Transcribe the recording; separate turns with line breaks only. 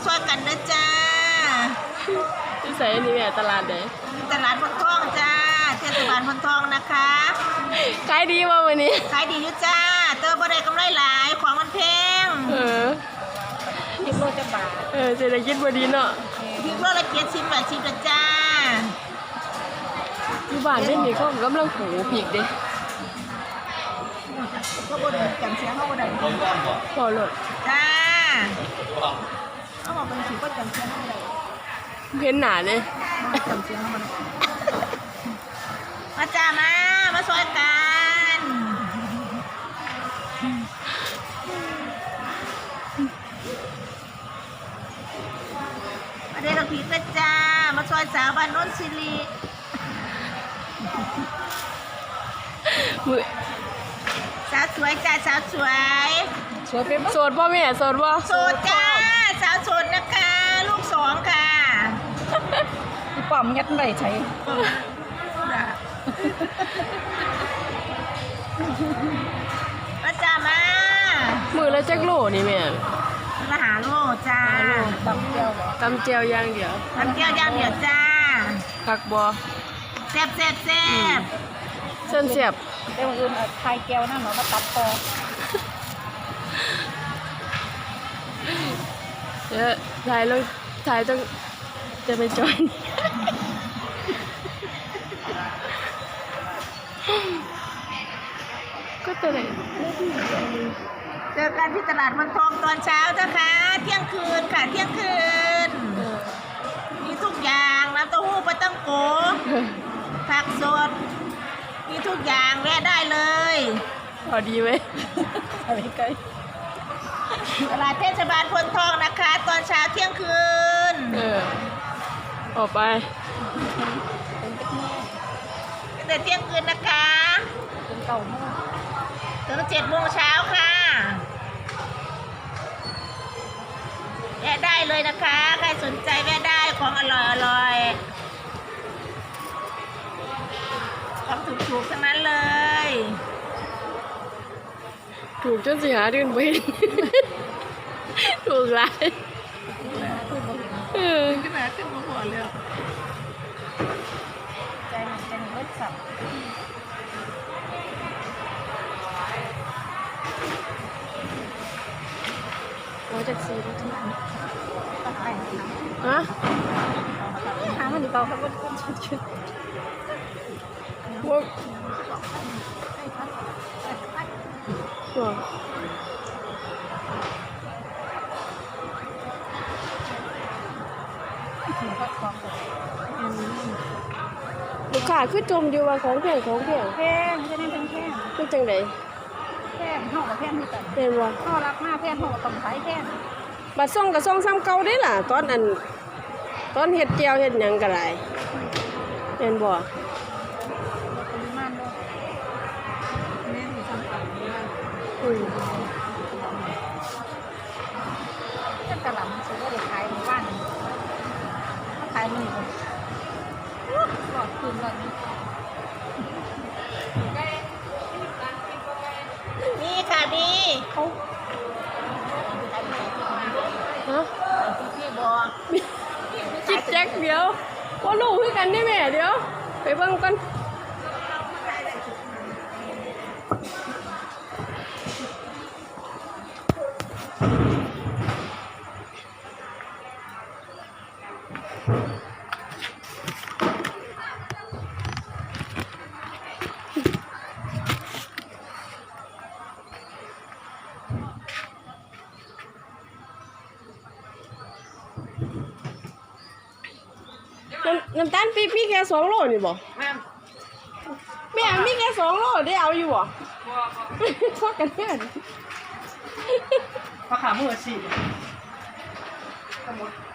ช่วยกันนะจ้า
ที่ใส่นี่แม่ตลาดไหน
ตลาดพนทองจ้าเทศบาลพนทองนะคะ
ขายดีมาวันนี้
ขายดีอยู่จ้าเติมบริกำไรหลายของมันแพง
10 โลจะบาทเศรษฐกิจบ่ดีเนาะ
พริกโลละ70 80ละจ้า
อยู่บ้านไม่มีเขากำลังปลูกพริกเด้
เขาบ่ได้จำเสียงเขาบ่ได้
พอเลย
จ้าเขาบอกเป็นสิก็จำเสียงเขาบ่ได้
เห็นหนาเลย
จำเสียงเขาบ่ได้มาจ้ามาช่วยกันมาเด็กกับพีกนะจ้ามาช่วยสาวบ้านโน้นสิริสาวสวยจ้าสาวสวย
โสดป่ะแม่โสดป่ะ
โสดจ้าสาวโสดนะคะลูก2ค่ะ
พี่ป้อมยัดได้ใช้
มาจ้ามา
มือละจักโลนี่แม่
มาหาโลจ้า
ตำเจียว
ตำเจียวย่างเดียว
ตำเจียวย่างเดียวจ้า
ผักบัว
แซ่บ
เส้นเสียบ
เดี๋ยวอื่นไข่แก้วนั่นเนาะมาตัดคอ
เดี๋ยวถ่ายต้องจะไปจอยก็ตัวไหน
เจอกันที่ตลาดมันทองตอนเช้านะคะเที่ยงคืนค่ะเที่ยงคืนมีทุกอย่างน้ำเต้าหู้ปลาตั้งโกผักสดมีทุกอย่างแวะได้เลย
พอดีไหม
อะไรกัน
ตลาดเทศบาลพนทองนะคะตอนเช้าเที่ยงคืน
ออกไป
แต่เที่ยงคืนนะคะ
ถึง9 โมง
ถึง7 โมงเช้าค่ะแวะได้เลยนะคะใครสนใจแวะได้ของอร่อยของถูกๆทั้งนั้นเลย
ถูกจนสิหาเดือนไปถูกหลาย
ขึ้นมาหัวเลย
ใจมันเลิศสับ
จากซีน
ฮะหามันดีเปล่าครับว่าชุด
พวกลูกค้าคือจมอยู่ว่าของแพง
จะได้แพง
คือจังได
แพงห่อกับแพงที่กัน
เป็นว่า
ห่อรักมากแพงห่อต้องขายแพง
บัดส่งกับส่งซ้ำเก่าได้ล่ะตอนเฮ็ดเจียวเฮ็ดหยังก็ได้เป็นบ่
กระหล่ำซื้อได้ขายในบ้านขายมันหลอดคืนหลอด
นี่ค่ะดี
เขา
พี่บอก
จิตแจ็คเดี๋ยวว่าลูกคือกันได้แม่เดี๋ยวไปเบิ่งกันน้ำตาลปี๊บมีแค่2 โลนี่บ่แม่มีแค่2 โลได้เอาอยู่บ่พอกันเพื่อน
พอขามือสิ